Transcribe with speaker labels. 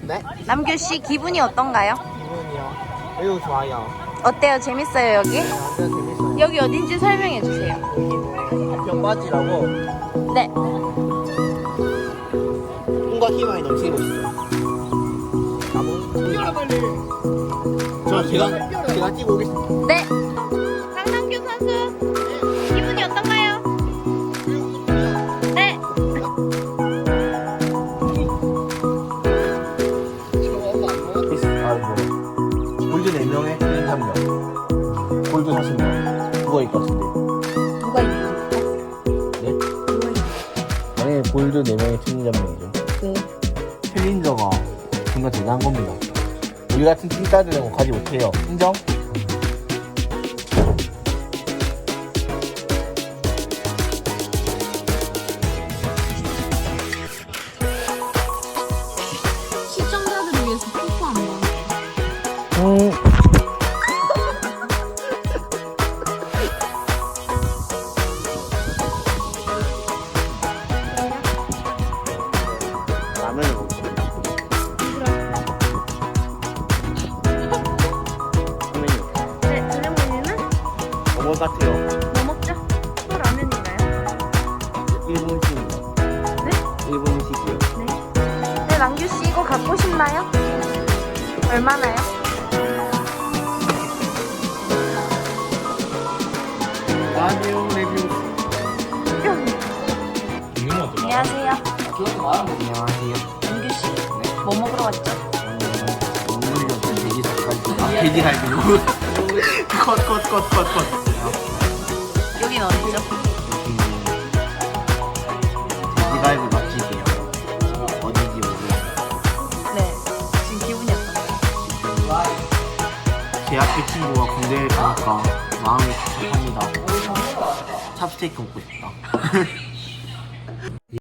Speaker 1: 네?
Speaker 2: 남규 씨 기분이 어떤가요?
Speaker 1: 기분이요? 매우 좋아요.
Speaker 2: 어때요? 재밌어요 여기?
Speaker 1: 네, 완전 재밌어요.
Speaker 2: 여기 어딘지 설명해 주세요.
Speaker 1: 여기는 병바지라고
Speaker 2: 네.
Speaker 1: 꿈과 희망이 넘치는 곳이죠. 나무. 빨리. 제가 뛰고 오겠습니다.
Speaker 2: 네. 강남규 선수 기분이 어떤가요? 네.
Speaker 1: 골드 4명에 틀린 1명. 골드 40명. 그거 있을 것 같은데.
Speaker 2: 누가 있는
Speaker 1: 네?
Speaker 2: 누가 있는
Speaker 1: 만약에 골드 4명에 틀린 1명이죠.
Speaker 2: 네.
Speaker 1: 챌린저가 정말 대단한 겁니다. 우리 같은 팀따들은 가지 못해요. 인정?
Speaker 2: 시청자들을 위해서 뽀뽀 한 번.
Speaker 1: 라면을 먹고. 라면이요.
Speaker 2: 네. 저녁 메뉴는
Speaker 1: 뭐 같아요?
Speaker 2: 뭐 먹죠? 또 라면인가요?
Speaker 1: 일본 음식입니다.
Speaker 2: 네?
Speaker 1: 일본 음식이요.
Speaker 2: 네. 네, 남규 씨 이거 갖고 싶나요? 얼마나요?
Speaker 1: 라디오 레뷰.
Speaker 2: 안녕하세요.
Speaker 1: 안녕하세요.
Speaker 2: 남규 씨. 뭐 먹으러 왔죠?
Speaker 1: 돼지 닭갈비. 돼지갈비로. 컷.
Speaker 2: 여긴 어디죠?
Speaker 1: 돼지갈비 맛집이에요. 어딘지 모르겠어요.
Speaker 2: 네. 지금 기분이 어떤가요?
Speaker 1: 제 앞에 친구가 군대에 가니까 마음이 답답합니다. 찹스테이크 먹고 싶다.